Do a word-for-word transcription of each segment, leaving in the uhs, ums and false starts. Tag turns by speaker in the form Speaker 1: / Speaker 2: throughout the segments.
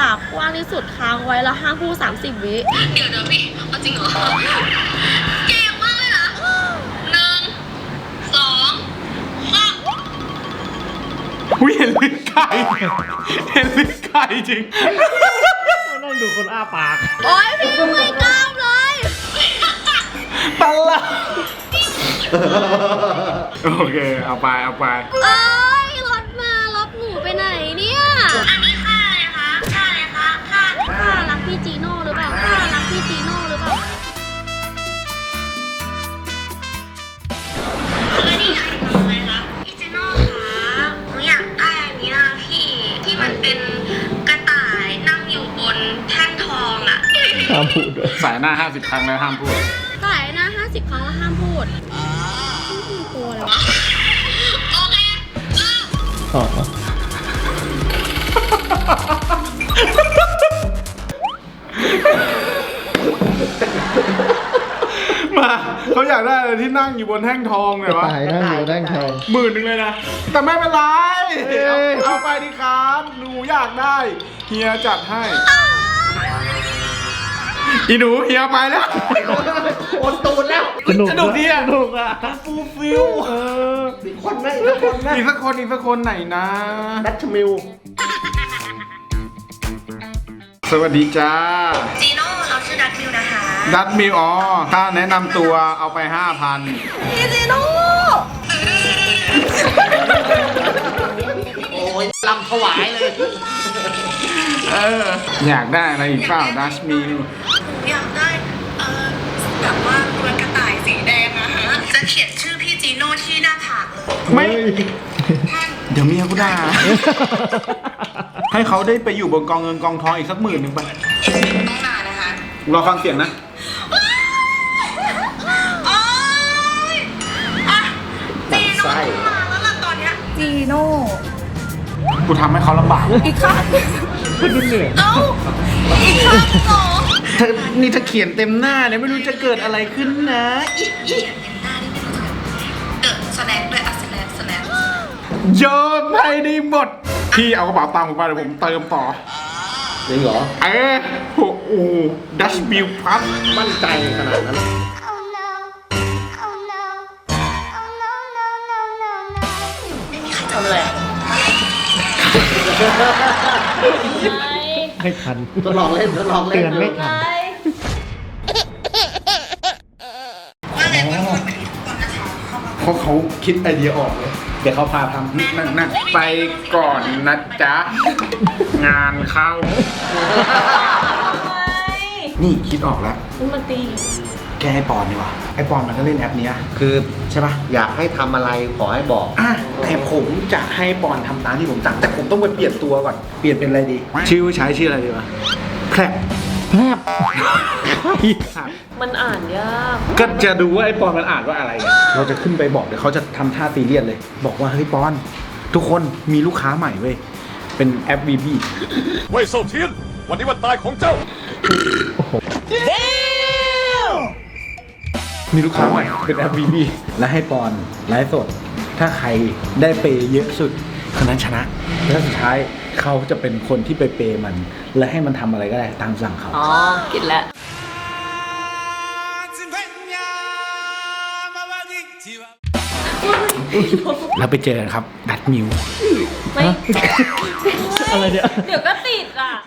Speaker 1: ากกว้างที่สุดค้างไว้แล้วห้ามพูดสามสิบวิ
Speaker 2: เดี๋ยวเดี๋ยวพี่เอาจริงเหรอเก่งมากเลยนะหนึ่งสองสาม
Speaker 3: อุ้ยเห็นลิ้นไก่เห็นลิ้นไก่จริง
Speaker 4: นั่งดูคนอ้าปาก
Speaker 1: โอ๊ยพี่ไม่กล้ามเลย
Speaker 3: ตลกโอเคเอาไปเอาไป
Speaker 1: เอ้ยรถมารถหนูไปไหนเนี่ย
Speaker 2: อันนี้ค่าอะไรคะค่าอะไรคะค่า
Speaker 1: ค่ารักพี่จีโน่หรือเปล่าค่ารักพี่จีโน่หรือเปล่า
Speaker 2: คือนี่ค่ะอะไรคะพี่เจโน่คะหนูอยากได้อันนี้นะพี่ที่มันเป็นกระต่ายนั่งอยู่บนแท่นทองอะ
Speaker 4: ห้ามพูดด้วย
Speaker 3: สายหน้าห้าสิบครั้งแล้วห้ามพูด
Speaker 1: สายนะห้าสิบครั้งแล้วห้ามพูดพี่กลัวอะไรวะ
Speaker 2: โอเคเริ่ม
Speaker 4: อ๋อ
Speaker 3: มาเขาอยากได้อะไรที่นั่งอยู่บนแท่งทองเนี่ยวะ
Speaker 4: ตายนั่งอยู่นั่งแทง
Speaker 3: หมื่นหนึ่งเลยนะ แต่ไม่เป็นไรเอาเอาไปดิครับหนูอยากได้เฮียจัดให้อีหนูเฮียไปแล้ว
Speaker 5: โอนตูนแล้ว
Speaker 4: สนุก
Speaker 3: สนุกดีอะ
Speaker 4: สนุกอ่ะ
Speaker 3: ฟูลฟิล
Speaker 4: เออ
Speaker 5: อีกคนไหมอีกคนไหม
Speaker 3: อีกสักคนอีกสักคนไหนนะ
Speaker 5: ดัชมิล
Speaker 3: สวัสดีจ้า
Speaker 2: จีโน่เราชื่อดัตมิวนะคะ
Speaker 3: ดัตมิวอ๋อถ้าแนะนำตัวเอาไปห้าพัน
Speaker 1: พี่จีโน่
Speaker 5: โอ้ยลำถวายเลย
Speaker 3: เอออยากได้อะไรอีกเปล่าดัชมิว
Speaker 2: หนูอยากได้เอ่อแบบว่าตัวกระต่ายสีแดงอะฮะจะเขียนชื่อพี่จีโน่ที่หน้าผากเลย
Speaker 3: ไม่
Speaker 2: ท่าน
Speaker 3: เดี๋ยวเมียกูด่า ให้เขาได้ไปอยู่บนกองเงินกองทองอีกสักหมื่นหนึ่งไป
Speaker 2: ต้องนานนะคะ
Speaker 3: รอฟังเสียงนะ
Speaker 2: โอ๊ยอ่ะจีโน่มาแล้วล่ะตอนเนี้ย
Speaker 1: จีโน่
Speaker 3: กูทำให้เขาลำบาก
Speaker 1: อีกข้าง
Speaker 4: พูดดูเหนื่อย
Speaker 1: เอ้าอีกข้างเหรอ
Speaker 3: ถ้านี่ถ้าเขียนเต็มหน้าเนี่ยไม่รู้จะเกิดอะไรขึ้นนะ
Speaker 2: เขียนเป็นหน้านี่ไม่รู้จักเดอะสแน็คด้วยอะสแน็คสแน็ค
Speaker 3: โยนให้ได้หมด พี่เอากระเป๋าตังค์ผมไปเดี๋ยวผมเติมต่อ
Speaker 5: จริงเหรอ
Speaker 3: เออโอ้โหดัชมิลพับ
Speaker 5: มั่นใจขนาดนั้น
Speaker 6: Oh no. Oh no. Oh no, no, no, no, no.
Speaker 1: ทำอะไรอะ
Speaker 4: ไม่ทัน
Speaker 5: ทดลองเล่นทดลองเล่น
Speaker 4: เตือนไม่ทัน
Speaker 2: ว่าเลยว่าคนเป็นคนนะคะเข้ามา
Speaker 3: เพราะเขาคิดไอเดียออกเลย เดี๋ยวเขาพาทำนั่นนั่นไปก่อนนะจ๊ะ งานเข้า นี่คิดออกแล้ว
Speaker 1: มันตี
Speaker 3: แกไอปอนดีกว่าไอปอนมันก็เล่นแอปเนี้ย
Speaker 5: คือใช่ปะอยากให้ทำอะไรขอให้บอก
Speaker 3: อ่ะแต่ผมจะให้ปอนทำตามที่ผมสั่งแต่ผมต้องไปเปลี่ยนตัวก่อน เปลี่ยนเป็นอะไรดี ชื่อใช้ชื่ออะไรดีวะแคลบ
Speaker 4: แพบ
Speaker 3: ครับ
Speaker 1: มันอ่านยาก
Speaker 3: ก็จะดูว่าไอปอนมันอ่านว่าอะไรไงเราจะขึ้นไปบอกเดี๋ยวเขาจะทำท่าซีเรียสเลย บอกว่าเฮ้ยปอน ทุกคนมีลูกค้าใหม่เว้ย เป็นแอป วี บี
Speaker 7: เว่ยเซาเทียน วันนี้วันตายของเจ้า
Speaker 3: มีลูกค้าใหม่เป็นแอป วี บี และให้ปอนไลฟ์สด ถ้าใครได้เปย์เยอะสุดคนนั้นชนะ แล้วสุดท้ายเขาจะเป็นคนที่ไปเปย์มัน และให้มันทำอะไรก็ได้ตามสั่งเขา
Speaker 1: อ๋อ กินแล้ว
Speaker 3: แล้วไปเจอกันครับ ดัดมิว
Speaker 1: ไม่
Speaker 4: อะไรเนี่ย
Speaker 1: เดี๋ยวก็ติดอ่ะ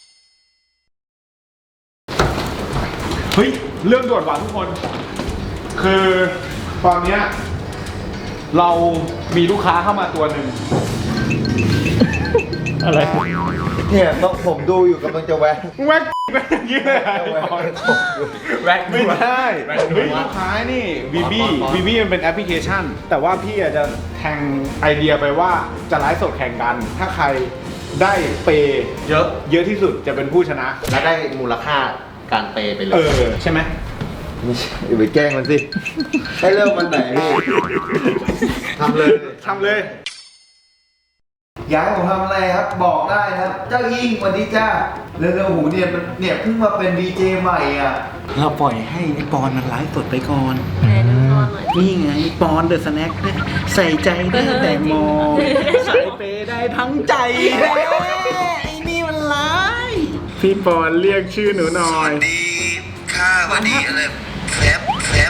Speaker 3: เฮ้ย เรื่องด่วนว่ะทุกคน คือตอนเนี้ยเรามีลูกค้าเข้ามาตัวหนึ่ง
Speaker 4: อะไร
Speaker 5: เนี่ยต้องผมดูอยู่กำลังจะแวะ
Speaker 3: แว็กแว็กอย่างนี้เลยอะแว็กไม่ได้เฮ้ยลูกค้านี่วีบีวีบีมันเป็นแอปพลิเคชัน แต่ว่าพี่อาจจะแทงไอเดียไปว่าจะไลฟ์สดแข่งกัน ถ้าใครได้เปย์เยอะเยอะที่สุดจะเป็นผู้ชนะ
Speaker 5: แล้วได้มูลค่าการเปย์ไปเล
Speaker 3: เอย อ ใช่ไหม
Speaker 5: ไม่ใช่อย่าไปแกล้งมันสิ ให้เริ่มมันไหนพี่ทำเลย
Speaker 3: ทำเลย
Speaker 8: อยากให้ผมทำอะไรครับบอกได้นะครับ เจ้าอิงสวัสดีจ้าเร็วๆหูเนี่ยมันเนี่ยเพิ่งมาเป็นดีเจใหม่อ่ะ
Speaker 3: เราปล่อยให้ไอปอนมันไลฟ์สดไปก่อน
Speaker 1: ไหนดูก่อนหน่อย
Speaker 3: นี่ไงปอนเดอะสแน็คใส่ใจได้แต่มองใส่เปย์ได้ทั้งใจแท้ไอ้นี่มันร้ายพี่ปอนเรียกชื่อหนูหน่อย
Speaker 8: ดีค่ะวันดีอะไรแฟบแฟบ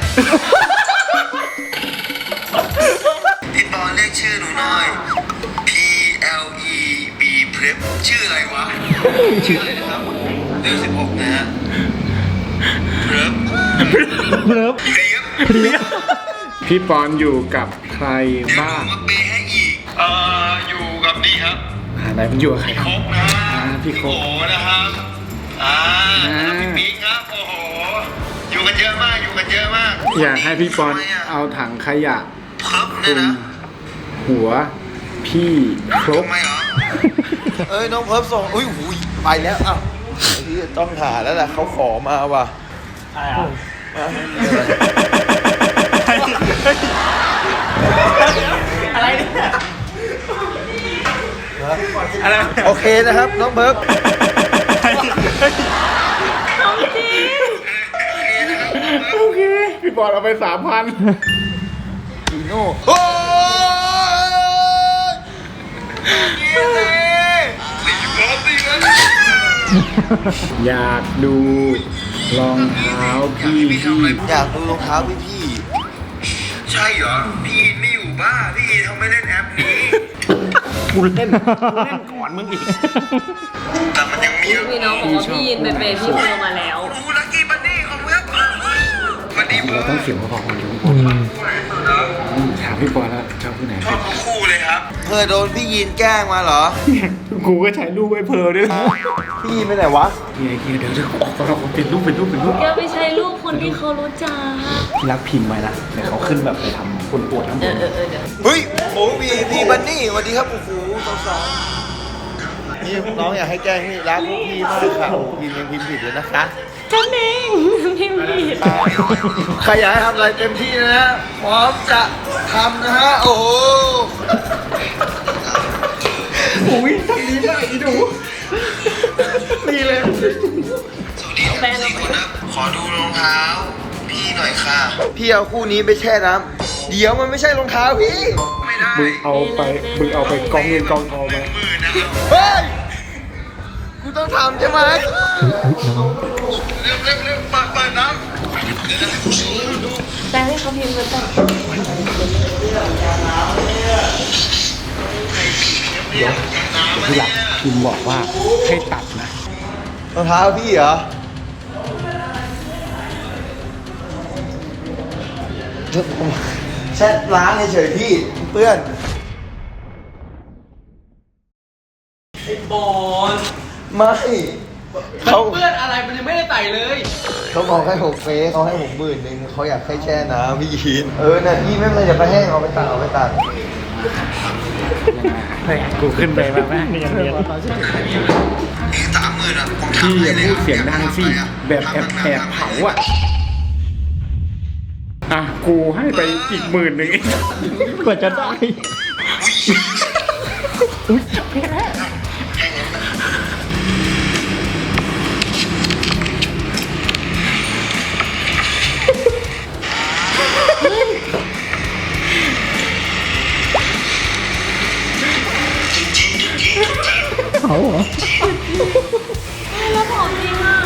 Speaker 8: พี่ปอนเรียกชื่อหนูหน่อย P L E B Prep ชื่ออะไรวะ ชื่ออะไรนะครับเรื่องสิบหกนะฮะ Prep
Speaker 4: เลิฟ
Speaker 8: เรียบ
Speaker 4: เรียบ
Speaker 3: พี่ปอนอยู่กับใคร
Speaker 8: เดี๋ยว
Speaker 3: บ้า
Speaker 8: ผ
Speaker 3: ง
Speaker 8: มมาเปย์ให้อีก เอ่อ อยู่กับนี่ครับ
Speaker 3: อ่าไหนมันอยู่กับใคร
Speaker 8: พี่
Speaker 3: ค
Speaker 8: ครับ กนะ
Speaker 3: อ่าพี่คก
Speaker 8: โอนะครับ อ่า
Speaker 3: อ่า
Speaker 8: พี่ปิ๊งครับ โอ้โห อยู่กันเยอะมาก อยู่กันเยอะมาก
Speaker 3: อยากให้พี่ปอน
Speaker 8: ทำไมะ
Speaker 3: เอาถังขยะ
Speaker 8: เพิ่ม
Speaker 3: คลุ
Speaker 8: เนี่ย
Speaker 3: ม
Speaker 8: นะ
Speaker 3: หัวพี่ครบ
Speaker 8: ทำไมเหรอ เอ้ยน้องเพิ่มส่งอุ้ยหูยไปแล้วอ้าวที่ต้องหาแล้วแหละเขาขอมาว่ะอะไรเนี่ยอะไรโอเคนะครับน้องเบิร์ก
Speaker 3: โอเค พี่ปอนเอาไปสามพัน
Speaker 8: อีโน่โอ้ยนี่เลยสี่พันสี่พัน
Speaker 3: อยากดูรองเท้าพี่พี่
Speaker 8: อยากดูรองเท้าพี่พี่ ใช่เหรอ พี่ไม่อยู่บ้าพี่เขาไม่เล่นแอปนี้
Speaker 4: กูเล่นกูเล่นก่อนมึงอีก
Speaker 8: แต่มันยังมี
Speaker 1: มีน้องบอกว่าพี่ยินไปเป็นพี่โพมาแล้ว
Speaker 8: โอ้โหลักกี้บันนี่ของเว็บบันนี่เบิร์
Speaker 3: ต้องเสียงพอๆกันทุกค
Speaker 4: อื
Speaker 3: น
Speaker 4: ม
Speaker 3: ถามพี่ปอนแล้วชอบผู้ไหน
Speaker 8: ชอบทั้งคู่เลยครับเคยโดนพี่ยินแกล้งมาเหรอ
Speaker 3: กูก็ใช้รูปไว้เพอด้วยนะ
Speaker 8: พี่ยินไปไหนวะ
Speaker 3: เฮียเฮียเดี๋ยวเดี๋ยวออกเราเป็นรูปเป็นรูปเป็นรูป
Speaker 1: แกไปใช้รูปคนที่เขารู้จัก
Speaker 4: พี่รักพิมพ์ไว้นะเดี๋ยวเขาขึ้นแบบไปทำคนปวดทั้งหม
Speaker 1: เอ
Speaker 4: ด
Speaker 1: อเออเออเดี๋ยว
Speaker 8: เฮ้ยโอ้พี่พี่บันนี่สวัสดีครับโอ้โหสาวๆนี่น้องอยากให้แกล้งพี่รักพี่มากค่ะโอ้ยินยังพิมพ์ผิดเลยนะคะ
Speaker 1: ฉันเองพิมพ์ผิด
Speaker 8: ใครอยากให้ทำอะไรเต็มที่นะฮะพร้อมจะทำนะฮะ โอ้โห
Speaker 3: อุ้ยทำนี้ได้อีดูนี่เลย
Speaker 8: สวัสดีครับสี่คนนะขอดูรองเท้า พี่หน่อยค่ะ พี่เอาคู่นี้ไปแช่น้ำเดี๋ยวมันไม่ใช่รองเท้าพี่ ไม่ได้
Speaker 3: มึงเอาไปมึงเอาไปกองเงินกองทองไหม
Speaker 8: หมื่นนะครับเฮ้ย กูต้องทำใช่ไหมเร็วเร็วเร็วเปิดเปิดน้ำเดี๋ยวนะ
Speaker 1: แต่ให้เขาพิมพ์มาก่อน
Speaker 3: ที่หลักพิมพ์บอกว่าให้ตัดนะ
Speaker 8: รองเท้าพี่เหรอแช่ล้างเฉยๆพี่เปื้อน
Speaker 9: ไอ้บอล
Speaker 8: ไม่เขา
Speaker 9: เพื่อนอะไรมันยังไม่ได้ไต่เลย
Speaker 8: เขาบอกให้หกเฟสเขาให้ผมหมื่นหนึ่งเขาอยากให้แช่น้ำพี่ยินเออน่ะพี่ไม่เป็นไรเดี๋ยวไปแห้งเอาไปตัดเอาไปตัด
Speaker 3: กูขึ้นไปแบบแม่เนียนเนียน
Speaker 8: สามหมื่นอ่ะผม
Speaker 3: พี่
Speaker 8: ทำให้
Speaker 3: อย่า
Speaker 8: เลย
Speaker 3: พูดเสียงดังสิแบบแอบแอบเผาอ่ะอ่ะกูให้ไปอีกหมื่นหนึ่ง
Speaker 4: กว่าจะได้อุ้ยแพ้ เขาเหรอ
Speaker 1: แล้วของจริงอ่ะ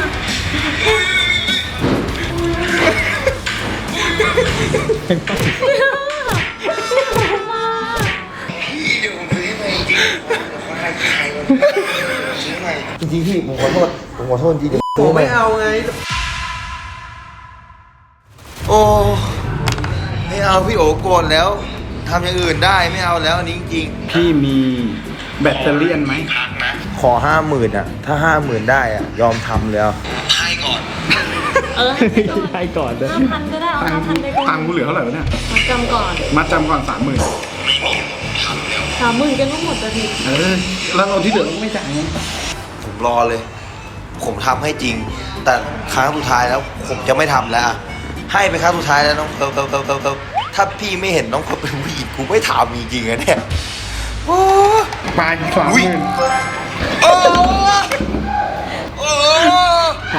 Speaker 8: พี่เดี๋ยวผมซื้อให้ใหม่จริงผมให้ใครมาซื้อใหม่จริงๆพี่ผมขอโทษผมขอโทษจริงๆผมไม่เอาไงโอ้ไม่เอาพี่โอโกรธแล้วทำอย่างอื่นได้ไม่เอาแล้วอันนี้จริง
Speaker 3: พี่มีแบตเตอรี่ไหม
Speaker 8: ขอห้าหมื่นอ่ะ ถ้าห้าหมื่นได้อ่ะ ยอมทำแล้วให้ก่อน
Speaker 1: เออ
Speaker 4: ให้ก่อนเลย
Speaker 1: ห้าพันก็ได้เอา
Speaker 3: ตัง
Speaker 1: ห้า
Speaker 3: ค์
Speaker 1: พันไปก่อน
Speaker 3: ตังค์กูเหลือเท่าไหร่วะเนี่ย
Speaker 1: มาจำก่อน
Speaker 3: มัดจำก่อนสามหมื่น
Speaker 1: สามหมื่นกันก็หมดแล้วดิ
Speaker 3: เออแล้วเราที่เหลือเราก็ไม่จ่ายไง
Speaker 8: ผมรอเลย ผมทำให้จริง แต่ครั้งสุดท้ายแล้ว ผมจะไม่ทำแล้วอะให้ไปครั้งสุดท้ายแล้วน้องเพิร์ลเพิร์ลเพิร์ลเพิร์ลเพิร์ลถ้าพี่ไม่เห็นน้องเพิร์ลเป็นผู้หญิงกูไม่ถามจริงๆนะเนี่ยโอ้
Speaker 3: ปลายสามหมื่น
Speaker 8: โอ้โอ้
Speaker 3: ไป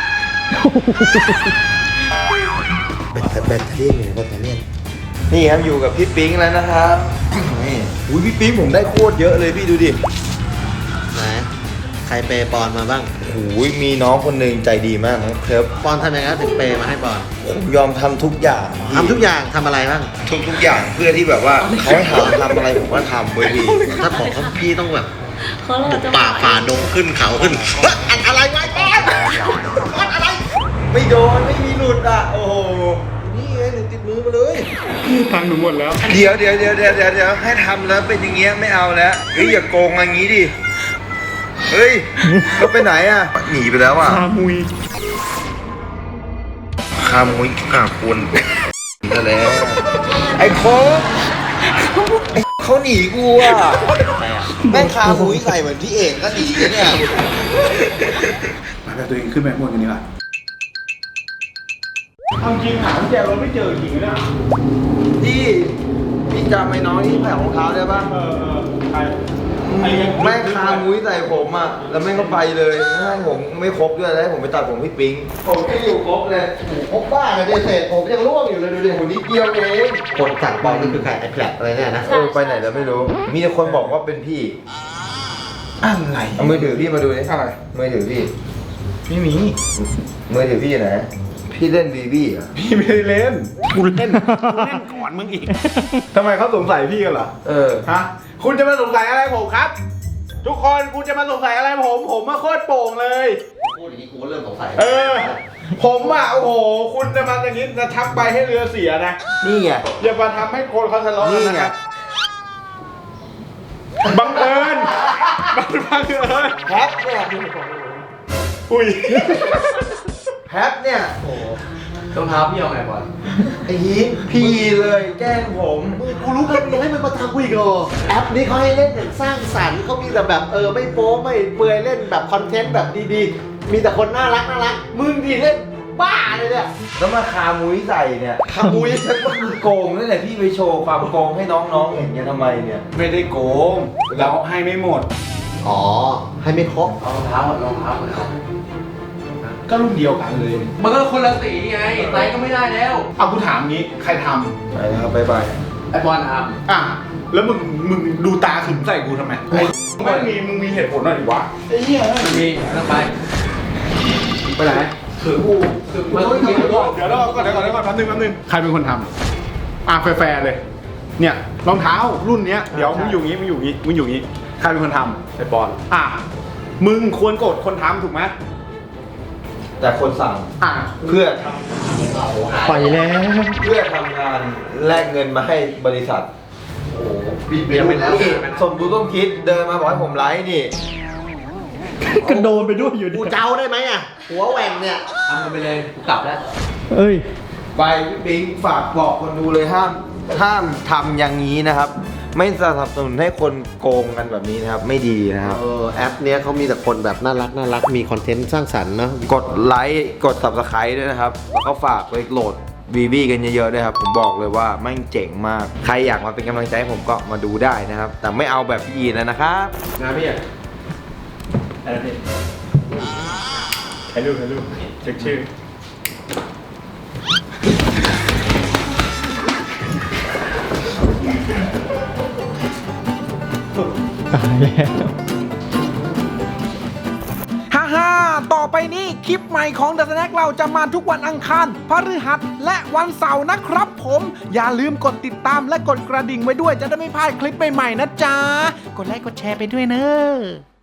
Speaker 8: แบตเตอรี่อยู่แบตเตอรี่นี่ครับอยู่กับพี่ปิ๊งแล้วนะครับนี่อุ้ยพี่ปิ๊งผมได้โคตรเยอะเลยพี่ดูดิไหน
Speaker 5: ใครเปย์ปอนมาบ้าง
Speaker 8: โอ้ยมีน้องคนหนึ่งใจดีมากน้องเคิร์ฟ
Speaker 5: ปอนทำยังไงถึงเปย์มาให้ปอน
Speaker 8: ผมยอมทำทุกอย่าง
Speaker 5: ทำทุกอย่างทำอะไรบ้าง
Speaker 8: ทุกทุกอย่างเพื่อที่แบบว่าเขาให้ทำทำอะไรผมก็ทำเว้ยพี่
Speaker 5: ถ้าบอกเขาพี่ต้องแบบ
Speaker 1: เขาเราจะ
Speaker 5: ป่าฝ่าดงขึ้นเขาขึ้นเฮ้ยอันอะไรวะปอนปอนอะไร
Speaker 8: ไม่โดนไม่มีหลุดอ่ะโอ้โห
Speaker 5: นี่ไงหนูติดมือมาเลย
Speaker 4: ตังค์หนูหมดแล้ว
Speaker 8: เดี๋ยวเดี๋ยวเดี๋ยวเดี๋ยวเดี๋ยวเดี๋ยวให้ทำแล้วเป็นอย่างเงี้ยไม่เอาแล้วเฮ้ยอย่าโกงอย่างงี้ดิเฮ้ยแล้วไปไหนอ่ะหนีไปแล้วอ่ะ
Speaker 4: คามุย
Speaker 8: คามุยขาคุณนั่นแหละไอ้โค้งไอ้เขาหนีกูอ่ะแม่งคามุยใส่เหมือนพี่เอกก็หนีเนี่ย
Speaker 4: มาแบบตัวเองขึ้นไปข้างบนกันดีกว่าทำจริงหากุญแจรถไม่เจอจริงนะ
Speaker 8: พี่พี่จำไอ้น้องที่แผ่วของเท้าได้ปะ
Speaker 4: เออเออใครไอ้ยัง
Speaker 8: แม่งคามุ้ยใส่ผมอ่ะแล้วแม่งก็ไปเลยให้ผมไม่ครบด้วยแล้วให้ผมไปตัดผมพี่ปิงผมก็อยู่ครบเลย
Speaker 5: พบบ้าเลยเศษผมยังร่วงอยู่เลยดูดิ
Speaker 8: ผมนิดเดียวเอง
Speaker 5: คนสั่งปอนนี่คือใครไอ้แผลอะไรเนี่ยนะ
Speaker 8: เออไปไหนแล้วไม่รู้ มีแต่คนบอกว่าเป็นพี่
Speaker 4: อะไร
Speaker 8: เอามือถือพี่มาดูดิ
Speaker 4: อะไร
Speaker 8: มือถือพี่
Speaker 4: ไม่มี
Speaker 8: มือถือพี่ไหนพี่เล่นบีบี้อ่ะ
Speaker 4: พี่ไม่ได้เล่นกูเล่นกูเล่นก่อนมึงอีกทำไมเขาสงสัยพี่กันเหรอ
Speaker 8: เออ
Speaker 4: ฮะคุณจะมาสงสัยอะไรผมครับ ทุกคนคุณจะมาสงสัยอะไรผมผมมาโคตรโป่งเลย
Speaker 5: พูดอย่างนี้กูก็เริ่มสงสัย
Speaker 4: เออ ผมอ่ะโอ้โหคุณจะมาอย่างนี้จะทักไปให้เรือเสียนะ
Speaker 8: นี่ไง
Speaker 4: อย่ามาทำให้คนเขาทะเลาะกัน
Speaker 8: นี่
Speaker 4: นะ
Speaker 8: ไง
Speaker 4: ครับบังเอิญบังบังเอิญ
Speaker 8: แพทเนี่ย
Speaker 4: อุ้ย
Speaker 8: แพทเนี่ย
Speaker 9: รองเท้าพี่เอาไงบอล
Speaker 8: ไอ้ฮีทพี่เลยแกล้งผม
Speaker 5: กูรู้กันยังให้มันมาทำกูอีกเหรอแอปนี้เขาให้เล่นอย่างสร้างสรรค์เขามีแต่แบบเออไม่โป๊ไม่เปลือยเล่นแบบคอนเทนต์แบบดีๆ มีแต่คนน่ารักน่ารักมึงดีเล่นบ้าเลยเนี่ย
Speaker 8: แล้วมาคามุ้ยใส่เนี่ย
Speaker 5: คามุ้ย
Speaker 8: ก็คือโกงนั่นแหละพี่ไปโชว์ความโกงให้น้องๆเห็นกันทำไมเนี่ย
Speaker 4: ไม่ได้โกงเราให้ไม่หมด
Speaker 5: อ๋อให้ไม่ครบ
Speaker 9: เอารองเท้าอะรองเท้าเหมือนเอา
Speaker 4: ก็รุ่นเดียวกันเลย
Speaker 9: มันก็คนละสีไงไซส์ก็ไม่ได้แล้ว
Speaker 4: เอากูถามงี้ใครท
Speaker 8: ไปนะครับบ๊ายบาย
Speaker 9: ไอบอลท
Speaker 4: ำอ่ะแล้วมึงมึงดูตาขึงใส่กูทำไมไม่มีมึงมีเหตุผลหน่อยดิวะไอ้เหี้ย
Speaker 9: ำมีต้องไป
Speaker 4: ไปไหน
Speaker 9: ถือกูถือมันต้องกิน
Speaker 4: เดี๋ยวเดี๋ยวรอก่อนเดี๋ยวก่อนเดี๋ยวก่อนแป๊บนึงแป๊บนึงใครเป็นคนทำอ่ะแฟร์ๆเลย เนี่ยรองเท้ารุ่นเนี้ยเดี๋ยวมึงอยู่งี้มึงอยู่งี้มึงอยู่งี้ใครเป็นคนทำไอ้ปอนอ่ะมึงควรโกรธคนทำถูกไหม
Speaker 8: แต่คนสั่ง
Speaker 4: อ่ะ
Speaker 8: เพื่อ
Speaker 4: ไปแล้ว
Speaker 8: เพื่อทำงานแลกเงินมาให้บริษัท
Speaker 5: บิดเบี้ยวไปแล้ว
Speaker 8: นี่สมรู้ต้องคิดเดินมาบอกให้ผมไลฟ์นี่
Speaker 4: กระโดนไปด้วยอยู่ดิ
Speaker 5: กูเจ้าได้ไหมอ่ะหัวแหว่งเนี่ย
Speaker 9: ทำกันไปเลยกูกลับแล้ว
Speaker 4: เอ้ย
Speaker 8: ไปพี่ปิงฝากบอกคนดูเลยห้ามห้ามทำอย่างนี้นะครับ ไม่สนับสนุนให้คนโกงกันแบบนี้นะครับ ไม่ดีนะครับ
Speaker 5: เออแอปเนี้ยเขามีแต่คนแบบน่ารักน่ารักมีคอนเทนต์สร้างสรรค์เนาะ
Speaker 8: กดไลค์กด subscribe ด้วยนะครับ แล้วก็ฝากไปโหลดบีบีกันเยอะๆด้วยครับ ผมบอกเลยว่าแม่งเจ๋งมาก ใครอยากมาเป็นกำลังใจให้ผมก็มาดูได้นะครับ แต่ไม่เอาแบบพี่อีแล้วนะครับ
Speaker 4: งานพี่อ่ะอะไรพี่ถ่ายรูปถ่ายรูปเช็คชื่อตายแล้วฮ่าฮ่าต่อไปนี้คลิปใหม่ของ The Snack เราจะมาทุกวันอังคารพฤหัสและวันเสาร์นะครับผม อย่าลืมกดติดตามและกดกระดิ่งไว้ด้วยจะได้ไม่พลาดคลิปใหม่ๆนะจ๊ะ กดไลค์กดแชร์ไปด้วยเนอะ